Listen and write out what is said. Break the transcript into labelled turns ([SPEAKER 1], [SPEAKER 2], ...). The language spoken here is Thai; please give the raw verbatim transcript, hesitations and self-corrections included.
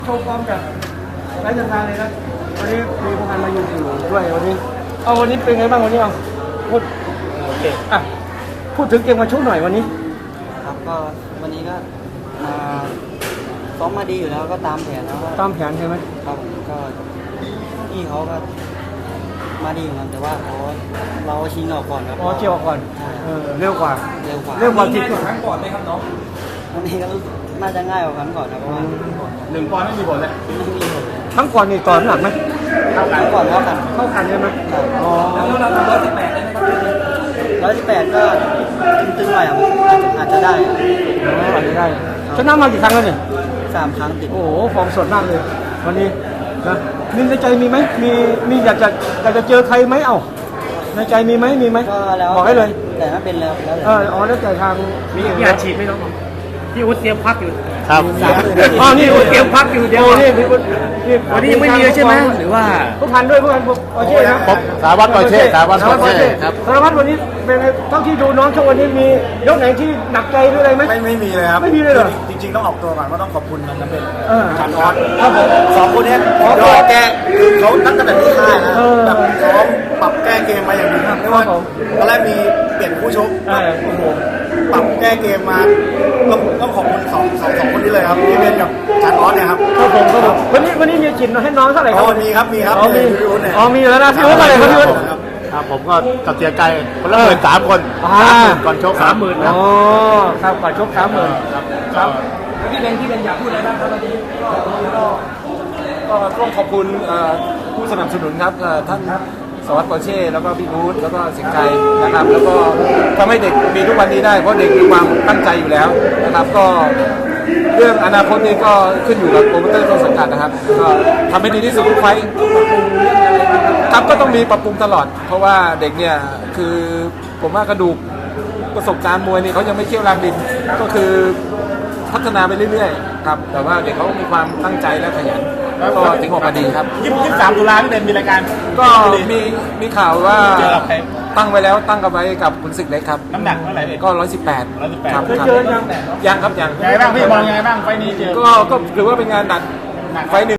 [SPEAKER 1] โชว์ความกับไร้เดินทางเลยนะวันนี้มีพวกมันมาอยู่อยู่ด้วยวันนี้เอาวันนี้เป็นไงบ้างวันนี้เอาพูดโอเคอ่ะพูดถึงเกมวันชุกหน่อยวันนี้
[SPEAKER 2] ครับก็วันนี้ก็มาซ้อมมาดีอยู่แล้วก็ตามแผนแล้วก็
[SPEAKER 1] ตามแผนใช่ไหม
[SPEAKER 2] ครับก็พี่เขาก็มาดีเหมือนกันแต่ว่าเขาเราชิงออกก่อนครับ
[SPEAKER 1] อ๋อเจียวก่อนเออเร็วกว่า
[SPEAKER 2] เร็วกว่า
[SPEAKER 1] เร็วกว่าที่
[SPEAKER 3] ครั้งก่อนไหมครับน้อง
[SPEAKER 2] วันนี้ก็น่าจะง่ายกว่าครั้งก่อนนะเพราะว่า
[SPEAKER 3] หนึ่งปอนด์ไม่มีผลเลย
[SPEAKER 2] ไม่มีผล
[SPEAKER 1] ครั้งก่อนนี่ต่อน้ำหนักไหม
[SPEAKER 2] เท่ากันก่อนเท่ากัน
[SPEAKER 1] เท่ากันใช่ไหมอ๋อ
[SPEAKER 3] แล้วเราร้อยสิบแปดได้ไหมครับ
[SPEAKER 2] ร้อยสิบแปดก็ตึงๆหน่อยอ่ะอาจจะได้
[SPEAKER 1] อ๋ออาจจะได้ชนะมากี่ครั้งแล้วเนี่ย
[SPEAKER 2] สามครั้งติด
[SPEAKER 1] โอ้โหฟอร์มสดมากเลยวันนี้นะมีในใจมีไหมมีมีอยากจะอยากจะเจอใครไหมเอ้าในใจมีไหมมีไหม
[SPEAKER 2] ก็แล้ว
[SPEAKER 1] บอกให้เลย
[SPEAKER 2] แต่ถ้าเป็นแล้วแล้ว
[SPEAKER 1] เอออ๋อแล้วแต่ทาง
[SPEAKER 3] มีมีอาชีพไหมน้องพี่อุ๊ดเตรียมพักอยู่
[SPEAKER 1] ครับอ๋อนี่อุ๊ดเตรียมพักอยู่เดี๋ยวนี่พี่อุ๊ด
[SPEAKER 3] วันนี้ยังไม่มีเลยใช่ไหมหรือว่า
[SPEAKER 1] ผู้พันด้วยผู้พันปอเช่นะ
[SPEAKER 4] สารวัตรปอเช่สารวัตรปอเช่ครับ
[SPEAKER 1] สารวัตรวันนี้เป็นไงเท่าที่ดูน้องช่วงวันนี้มียกไหนที่หนักใจหรืออะไรไหม
[SPEAKER 4] ไม่ไม่มีเลยครับ
[SPEAKER 1] ไม่มีเลยเหรอ
[SPEAKER 4] จริงๆต้องออกตัวก่อนว่าต้องขอบคุณมันนะเป็น
[SPEAKER 1] ชั
[SPEAKER 4] นออสครับผมสองคนนี้ยอดแก้เขาตั้งแต่ที่ค่ายนะแบบพร้อมปรับแก้เกมมาอย่างดีครับไม่ว่าตอนแรกมีเปลี่ยนผู้ชกโอ้โหปรับแก้เกมมาต้องต้องขอบคุณสองสองสองคนนี้เลยครับพี่เบนกับชันออสเนี่ยครับ
[SPEAKER 1] ครับผมครับผมวันนี้วันนี้มีจิตให้น้องเท่าไหร่ครับ
[SPEAKER 4] มีครับมีครับ
[SPEAKER 1] อ๋อมีอ๋อมีแล้วนะพี่อุ๊ดอะไรครับพี่อุ๊ด
[SPEAKER 4] ครับผมก็ตัดเสียใจคนละหมื่นสามคนก่อนชกสามหมื่น
[SPEAKER 1] อ๋อครับก่อนชกสามหมื่นครับ
[SPEAKER 3] พี่เบนพี่เบนอยากพูดอะไรบ้างครับวันนี้
[SPEAKER 4] ก็ต้องขอบคุณผู้สนับสนุนครับท่านสวัสดิ์ปอเช่แล้วก็พี่อู๊ดแล้วก็สิงห์ชัยนะครับแล้วก็ทำให้เด็กมีทุกวันนี้ได้เพราะเด็กมีความตั้งใจอยู่แล้วนะครับก็เรื่องอนาคตนี้ก็ขึ้นอยู่กับโปรโมเตอร์ต้นสังกัดนะครับก็ทำให้ดีที่สุดทุกไฟต์ครับก็ต้องมีปรับปรุงตลอดเพราะว่าเด็กเนี่ยคือผมว่ากระดูกประสบการณ์มวยนี่เขายังไม่เชี่ยวรางดินก็คือพัฒนาไปเรื่อยๆครับแต่ว่าเด็กเขามีความตั้งใจและขยันก็ถึงออกมาดีครับ
[SPEAKER 3] ยี่สิบสามตุลาที่เป็นมีรายการ
[SPEAKER 4] ก็มีมีข่าวว่าตั้งไว้แล้วตั้งกันไว้กับคุณศึกเล็กครับ
[SPEAKER 3] น้ำหนักเท่าไหร่
[SPEAKER 4] ก็ร้อยสิบแปด
[SPEAKER 3] ครับ
[SPEAKER 1] เคยเจอยัง
[SPEAKER 4] ยังครับยัง
[SPEAKER 3] ยังไงบ้างพี่มองยังไงบ้างไฟนี้เจอ
[SPEAKER 4] ก็ก็ถือว่าเป็นงานหนักไฟหนึ่ง